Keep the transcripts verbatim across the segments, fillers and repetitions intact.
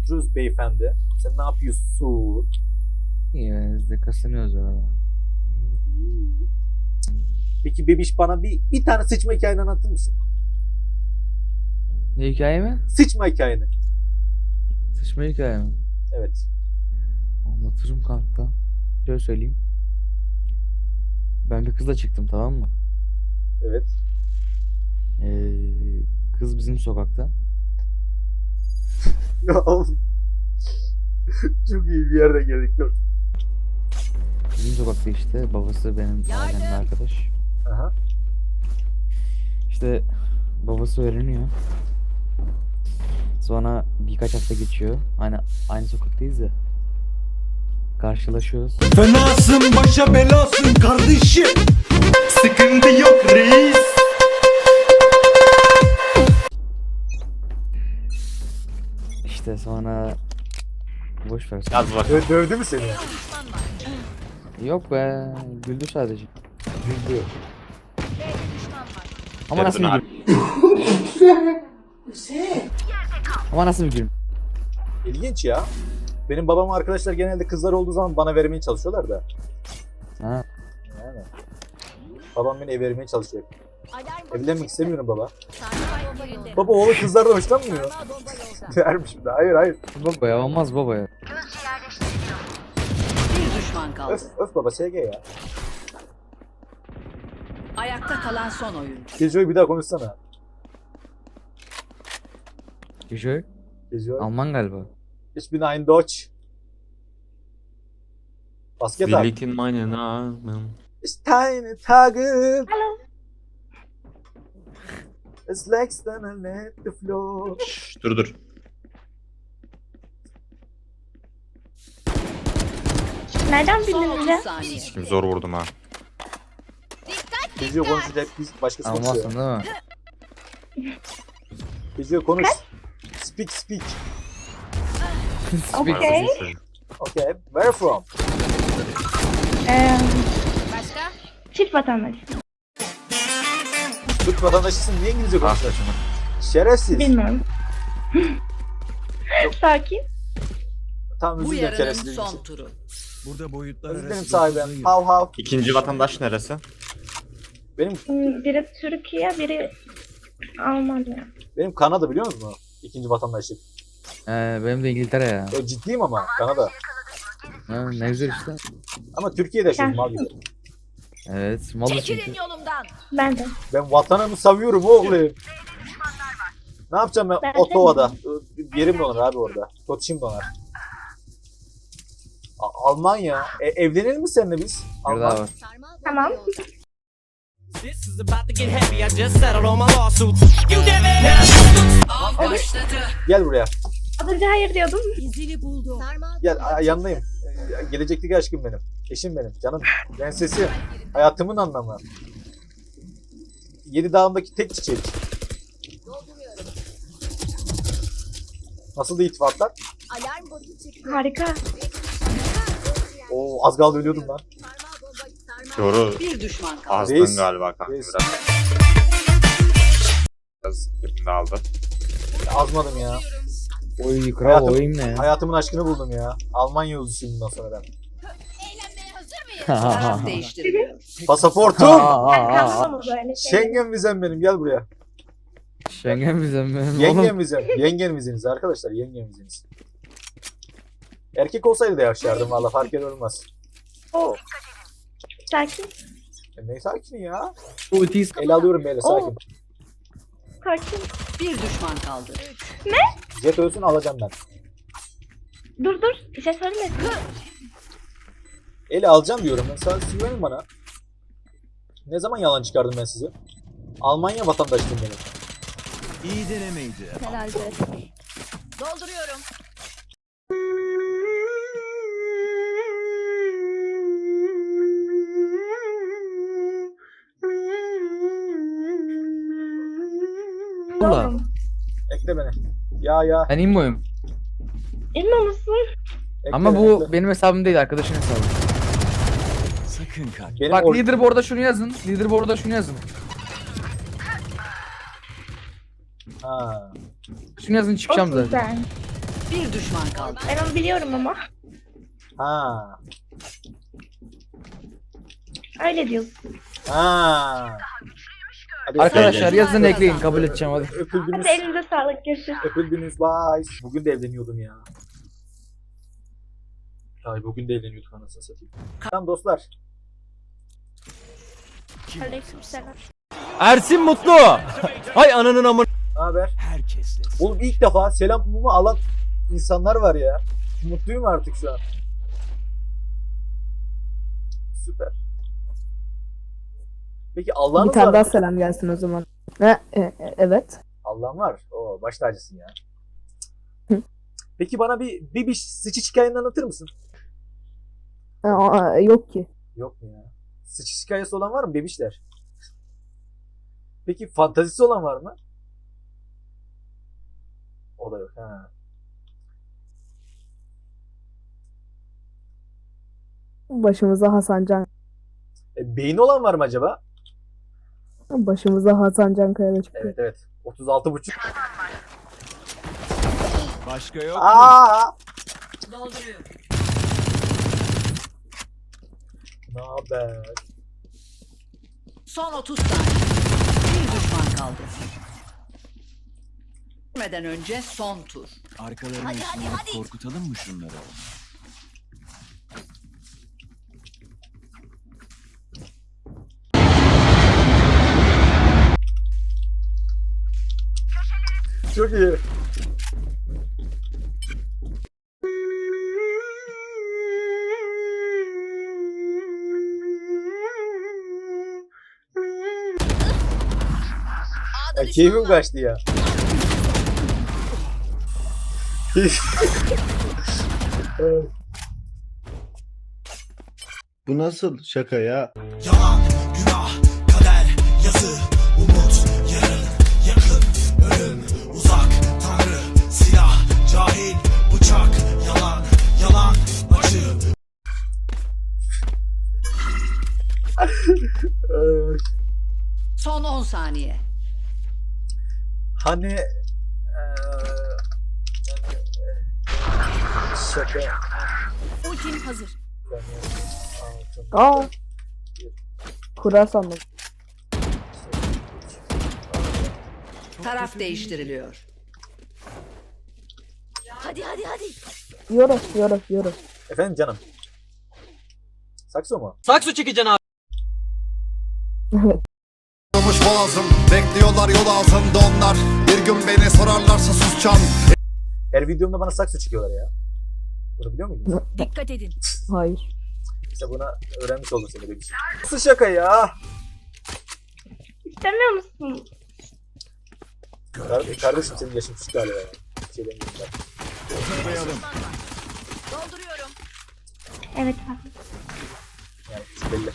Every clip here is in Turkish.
oturuyoruz beyefendi. Sen ne yapıyorsun? İyi, biz de kasınıyoruz öyle. Peki bebiş bana bir, bir tane sıçma hikayeni anlatır mısın? Ne hikaye mi? Sıçma hikayeni. Sıçma hikaye mi? Evet. Anlatırım kanka. Şöyle söyleyeyim. Ben bir kızla çıktım, tamam mı? Evet. Ee, kız bizim sokakta. Ya oğlum. Çok iyi bir yerde geldik. Yok. Bizim sokakta işte. Babası benim ailemle arkadaş. Aha. İşte babası öğreniyor. Sonra birkaç hafta geçiyor. Aynı aynı sokaktayız ya. Karşılaşıyoruz. Fenasın başa belasın kardeşim. Sıkıntı yok reis. İşte sonra boş ver. Yaz bak. Dö- dövdü mü seni? Yok be, güldü sadece. Güldü. Ama nasıl bir gül? Ama nasıl bir gül? İlginç ya. Benim babam arkadaşlar genelde kızlar olduğu zaman bana vermeye çalışıyorlar da. Ha. Yani. Babam beni ev vermeye çalışıyor. Evlenmek istemiyorum baba. Baba oğlu kızlardan hoşlanmıyor. Dermiş bir de. Hayır hayır. Baba ya, olmaz baba ya. Bir düşman kaldı. Öf, öf baba S G ya. Ayakta kalan son oyuncu. Geziyor bir daha konuşsana. Güzel. Geziyor. Alman galiba. Ich bin ein Deutsch. Basket Wir at. liegen meine Namen. Ist deine Tage. Hallo. Es lächst dann let the floor. Şşş, dur dur. Nereden Son bildin otuz bize? saniye. Şimdi zor vurdum ha. Geziyor konuşacak biz başkası Almazsın konuşuyor. değil mi? Geziyor konuş. Speak speak. Speak. Okay. Okay. Where from? Ee, Başka? çift vatandaş. Türk vatandaşısın niye İngilizce Ah konuşuyorsun? saçını. Şerefsiz. Bilmiyorum. Sakin. Tamam Bu özür dilerim yarının şerefsizliğim son için. turu. Burada boyutlar Özür dilerim arası sahibim. dokuz ayır. Hav hav. İkinci vatandaş neresi? Benim Hmm, Biri Türkiye, biri Almanya. benim Kanada biliyor musun? İkinci vatandaşlık. Ee, benim de İngiltere ya. Yo, ciddiyim ama Kanada. Ha, ne güzel işte. Ama Türkiye'de yaşıyorum abi. Evet, malı çünkü. yolumdan. Ben de. Ben vatanımı savuyorum oğlum. Ne yapacağım ben, Ben Ottawa'da? Yerim donar abi orada. Koçim donar. A- Almanya. E, evlenelim mi seninle biz? Bir daha var. Tamam. This is about to get heavy. I just settled all my lawsuits. You did it. Av başladı. Gel buraya. Az önce hayır diyordum. İzini buldu. Gel a- yanındayım. E, gelecekteki aşkım benim. Eşim benim. Canım. Prensesim. Hayatımın anlamı. Yedi dağımdaki tek çiçek. Nasıl da ittifaklar? Harika. Oo az kaldı ölüyordum lan. Doğru. Bir düşman kaldı. Azdın Reis. galiba kanka Reis. biraz. Biraz birini aldı. Azmadım ya. Oy kral Hayatım- oyun ne ya? Hayatımın aşkını buldum ya. Almanya yolcusuyum bundan sonra ben. Taraf değiştiriliyor. Pasaportum. Ben kalmam o böyle şey. Schengen vizem benim gel buraya. Schengen bizim benim oğlum. Yengen vizem. Yengen vizeniz arkadaşlar yengen vizeniz. Erkek olsaydı da yaşardım valla fark eder olmaz. Oo. Sakin. E, ne sakin ya. Ultis. El alıyorum böyle sakin. Sakin. Bir düşman kaldı. Jet ölsün alacağım ben. Dur dur. Bir şey söyleme. Eli alacağım diyorum ben. Sen güvenin bana. Ne zaman yalan çıkardım ben sizi? Almanya vatandaşıyım benim. İyi denemeydi. Dolduruyorum. Valla. Oğlum. Ekle beni. Ya ya. Ben immoyum. İnme musun? Ekle Ama beni, bu ekle. benim hesabım değil, arkadaşın hesabı. Sakın kaç. Benim Bak or- leaderboard'a şunu yazın. Leaderboard'a şunu yazın. Ha. Şunu yazın çıkacağım Olsun zaten. sen. Bir düşman kaldı. Ben onu biliyorum ama. Ha. Öyle diyorsun. Ha. Hadi Arkadaşlar öpüldünüz. yazın ekleyin kabul edeceğim hadi. Öpüldünüz. Hadi elinize sağlık. Görüşürüz. Öpüldünüz. Bye. Bugün de evleniyordum ya. Ay bugün de evleniyorduk anasını satayım. Tamam dostlar. Aleykümselam. Ersin Mutlu. Hay ananın amın. Ne haber? Herkesle. Oğlum ilk defa selamımı alan insanlar var ya. Mutluyum artık şu an. Süper. Peki Allah'ın Bir tane var daha mı? selam gelsin o zaman. Ha, e, e, evet. Allah'ın var. Oo baş tacısın ya. Hı. Peki bana bir bir, bir sıçış hikayeni anlatır mısın? Ha, aa, yok ki. Yok mu ya? Sıçış hikayesi olan var mı bebişler? Peki fantazisi olan var mı? O da yok. Ha. Başımıza Hasan Can. E, beyni olan var mı acaba? Başımıza Hasan Can Kaya'da çıktı. Evet evet. otuz altı buçuk. Başka yok mu? Aa! Dolduruyor. Ne haber? Son otuz saniye. Bir düşman kaldı. Gitmeden önce son tur. Arkalarını ışınlayıp korkutalım mı şunları? Çok iyi. Ya keyfim kaçtı ya. Bu nasıl şaka ya? Yalan, günah, kader, yazı, umut, yarın, yakın, ölüm, uzak, tanrı, silah, cahil, bıçak, yalan, yalan, acı. Son on saniye. Hani eee, yani, eee, şaka. Ultim hazır. Aa. Kura sandım. Taraf değiştiriliyor. Hadi hadi hadi. Yoros, yoros, yoros. Efendim canım. Sakso mu? Sakso çekeceksin abi. Evet. Olmuş boğazım, bekliyorlar yol altında onlar. Bir gün beni sorarlarsa susacağım. Her videomda bana sakso çıkıyorlar ya. Bunu biliyor muydun? Dikkat edin. Hayır. İşte buna öğrenmiş oldun seni benim için. Nasıl şaka ya? İstemiyor musun? Kar- kardeşim senin yaşın küçük galiba ya. Bir şey demiyorum ben. Zıplayalım. Dolduruyorum. Evet abi. Yani küçük belli.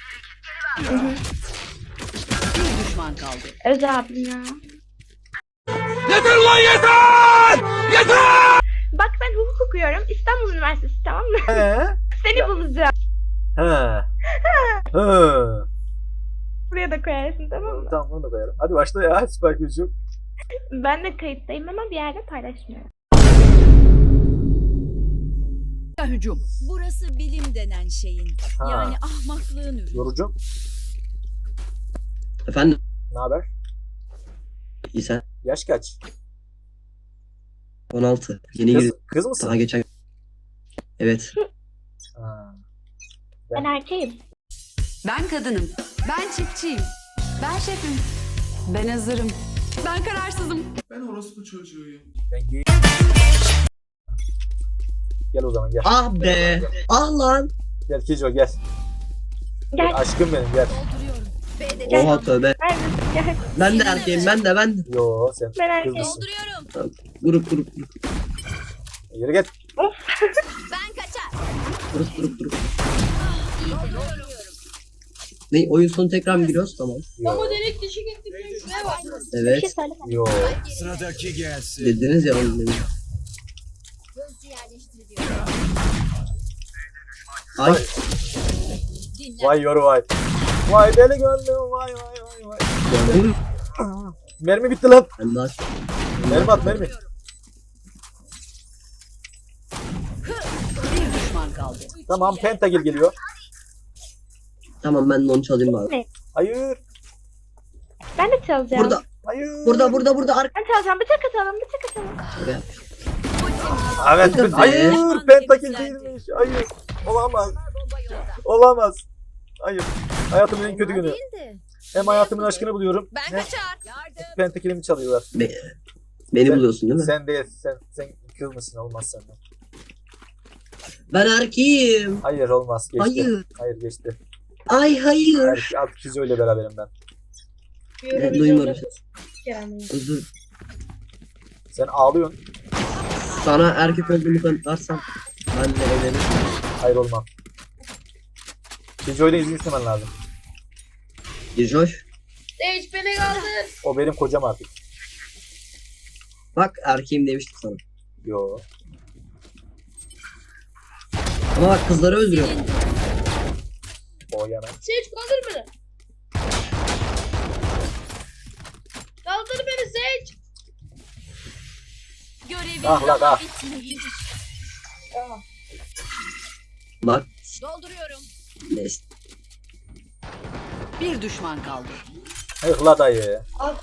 Bir düşman kaldı. Öz abim ya. Yeter lan yeter! Yeter! Bak ben hukuk okuyorum. İstanbul Üniversitesi, tamam mı? He? Seni bulacağım. He. He. Buraya da koyarsın, tamam mı? Tamam bunu da koyarım. Hadi başla ya. Süper güç yok. Ben de kayıttayım ama bir yerde paylaşmıyorum. Hücum. Burası bilim denen şeyin. Ha. Yani ahmaklığın ürünü. Yorucu. Efendim, Ne haber? iyi sen. Yaş kaç? on altı. Yeni Kız, girdim. kız mısın? Daha geçen. Evet. Ha. Ben erkeğim. Ben kadınım. Ben çiftçiyim. Ben şefim. Ben hazırım. Ben kararsızım. Ben orospu çocuğuyum. Ben gay. Gel o zaman gel. Ah be. Ah lan. Gel Kijo gel. Gel. Aşkım benim gel. Dolduruyorum. B'de Oha tövbe. Neredesin? Gel. Ben de erkeğim, ben de ben de. Yo sen Ben erkeğim. kızlısın. dolduruyorum. Grup grup grup. Yürü git. Ben kaçar. Grup grup grup. Ne? Oyun sonu tekrar mı giriyoruz? Tamam. Yo. Bir şey Evet. söyle. Yo. Sıradaki gelsin. Dediniz ya oyun demin. Gözcü yerleştiriliyor. Ay. Dinle. Vay yoru vay. Vay deli gönlüm vay vay vay vay. Gördün mü? Mermi bitti lan. Ben daha Mermi at mermi. kaldı. Tamam Pentakill geliyor. Tamam ben de onu çalayım bari. Hayır. Ben de çalacağım. Burada, Hayır. burada, burada, burada. Arka. Ben çalacağım. Bıçak atalım. Bıçak atalım. Şuraya. Evet. Hadi be. Hayır. Pentakill değilmiş. Hayır. Olamaz. Bomba yolda. Olamaz. Hayır. Hayatımın en kötü günü. Değildi. Hem hayatımın aşkını buluyorum. Ben Hem kaçar. Yardım. Pentakill'imi çalıyorlar. Be- Beni Sen- buluyorsun değil mi? Sen de sen sen kız mısın? Olmaz senden. Ben erkeğim. Hayır olmaz. Geçti. Hayır. Hayır geçti. Ay hayır. Hayır, artık Kizo ile beraberim ben. Ben duymuyorum. Özür. Sen ağlıyorsun. Sana erkek olduğumu kanıtlarsam ben de evlenirim. Hayır olmam. Kizo ile izin istemen lazım. Gijoş. Hiç beni kaldır. O benim kocam artık. Bak erkeğim demiştim sana. Yo. Ama bak kızları öldürüyor. O yana. Seç kaldır beni. Kaldır beni Seç. Görevin Ah lan, daha ah. bitmedi. Bak Dolduruyorum. neyse. Bir düşman kaldı. Hayır la dayı.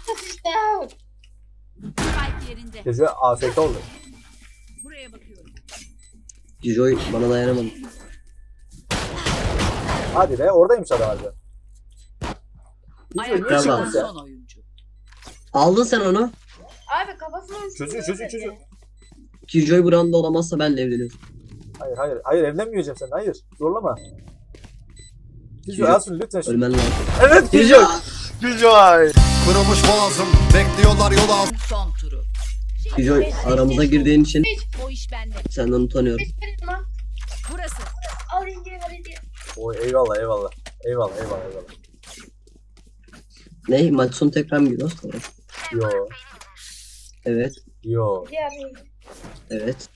Spike yerinde. Kizo afet oldu. Buraya bakıyorum. Gijoy bana dayanamadı. Hadi be oradaymış adam harbi. Ayakta Tamam. kalan son oyuncu. Aldın sen onu. Abi kafasına Çocuğu çocuğu çocuğu. Gijoy buranda olamazsa benle evleniyorum. Hayır hayır hayır evlenmeyeceğim sen hayır. Zorlama. Kizo Kizo- alsın lütfen şunu. Ölmen lazım. Evet Kizo. Kizo. Kırılmış boğazım, bekliyorlar yol altında. Son turu. Gijoy aramıza girdiğin için O iş bende. senden utanıyorum. Burası. Al İnci'yi ver İnci'yi. Oy eyvallah eyvallah. Eyvallah eyvallah eyvallah. Ne? Maç sonu tekrar mı giriyoruz? Tamam. Yo. Evet. Yo. Diğer İnci. Evet.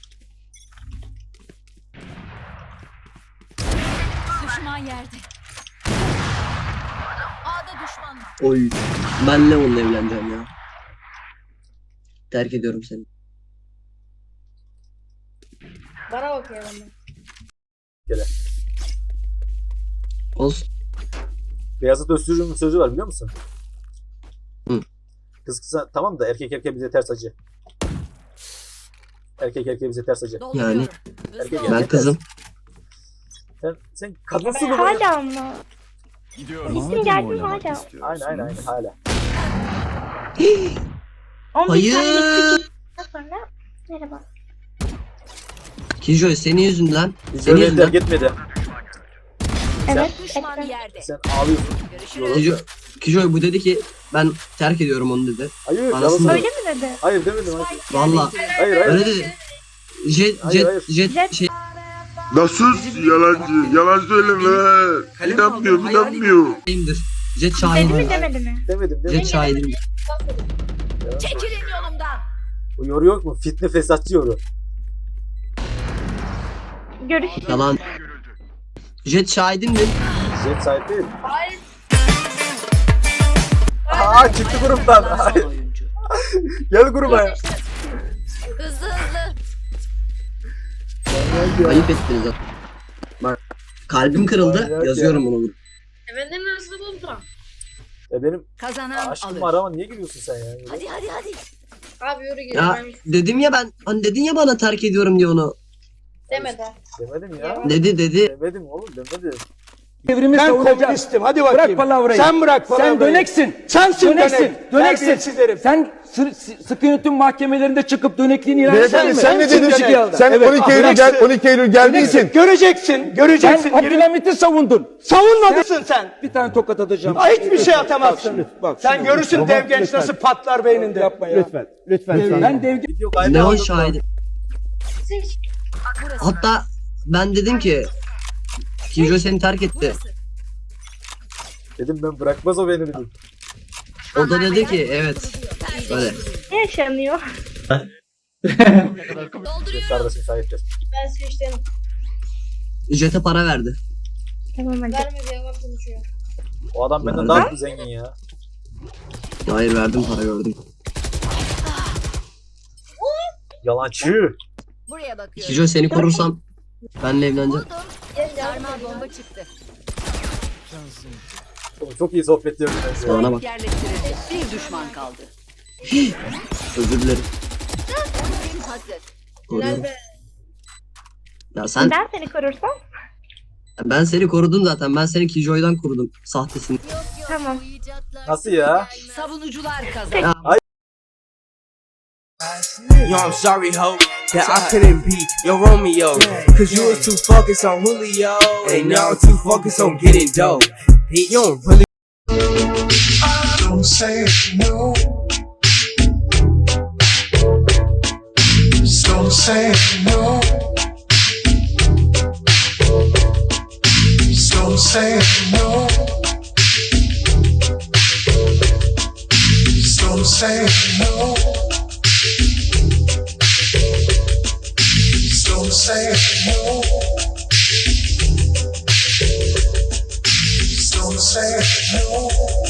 Düşman yerde. A'da düşman var. Oy. Ben Leon'la evleneceğim ya. Terk ediyorum seni. Bana bakıyor bana. Olsun. Beyazıt Öztürk'ün sözü var biliyor musun? Hı. Kız kıza tamam da erkek erkeğe bize ters acı. Erkek erkeğe bize ters acı. Dolduruyorum. Erkek Hızlı ol. Ben kızım. Sen, sen kadınsın mı? Hala mı? Gidiyorum. İsim geldi mi hala? Aynen aynen aynen hala. on bir Hayır. tane sonra merhaba. Kijoy senin yüzünden. Biz Senin öyle yüzünden. gitmedi. Evet. Düşman ekran. yerde. Sen ağlıyorsun. Görüşürüz. Kijoy, Kijoy bu dedi ki ben terk ediyorum onu dedi. Hayır Anasını yalan Öyle mi dedi? Hayır demedim. Hayır Valla hayır. hayır. öyle dedi. Jet Hayır, jet hayır. jet Jet- şey Nasıl yalancı? Yalan söyleme. İnanmıyor, inanmıyor. şeyimdir. Jet Dedi şahidim. mi demedi mi? Demedim Jet demedim. şahidim. Yalan söylüyor. Çekilin yolumdan. O yoru yok mu? Fitne fesatçı yoru. Görüşürüz. Yalan. Jet şahidimdir. Jet sahip değil. Hayır. Aa çıktı gruptan. Kalan Hayır. son oyuncu. Gel gruba ya. Hızlı hızlı. Ayıp ettiniz. ha. Bak kalbim kırıldı. Manyak Yazıyorum bunu. Efendim nasıl buldun? E benim Kazanan aşkım alır. var ama niye gülüyorsun sen ya? Hadi hadi hadi. Abi yürü git. Ya dedim ya ben hani dedin ya bana terk ediyorum diye onu. Demedi. Demedim ya. Dedi dedi. Demedim oğlum demedim. Ben komünistim. Hadi bakayım. Bırak palavrayı. Sen bırak palavrayı. Sen döneksin. Sensin döneksin. Döneksin. Sen sı- sı- sıkı yönetim mahkemelerinde çıkıp dönekliğini ilan eder misin? Sen ne dedin? Sen on iki Eylül gel on iki Eylül geldiysin. Göreceksin. Göreceksin. Sen Abdülhamit'i savundun. Savunmadın sen. Bir tane tokat atacağım. Hiçbir şey atamazsın. Bak, sen görürsün dev genç nasıl patlar beyninde. Yapma ya. Lütfen. Lütfen. Ben dev Video kaydı Ne o aldım. şahidim. Hatta ben dedim ki Kijoy seni terk etti. Dedim ben bırakmaz o beni dedim. O da dedi ki evet. Böyle. Ne yaşanıyor? Dolduruyorum. Kardeşim sahiptir. Ben seçtim. Jet'e para verdi. Tamam hadi. Vermedi yalan konuşuyor. O adam benden Nerede? daha zengin ya. Hayır verdim para gördüm. Yalancı. Buraya bakıyorum. Kijoy seni korursam Benle evlenecek. Sarmal bomba çıktı. Oğlum çok iyi sohbet diyorum. Bana bak. Yerleştirildi. Bir düşman kaldı. Özür dilerim. Ultim hazır. Koruyorum. Ya sen, Ben seni korursam. ben seni korudum zaten. Ben seni Killjoy'dan korudum. Sahtesini. Yok yok. Tamam. Bu icatlar Nasıl ya? Savunucular kazandı. Ya, Yo, I'm sorry, ho, that I couldn't be your Romeo. Cause you was too focused on Julio. And now I'm too focused on getting dope. You don't really. Don't say no. Don't say no. Don't say no. Don't say no. Don't say no. Don't say no.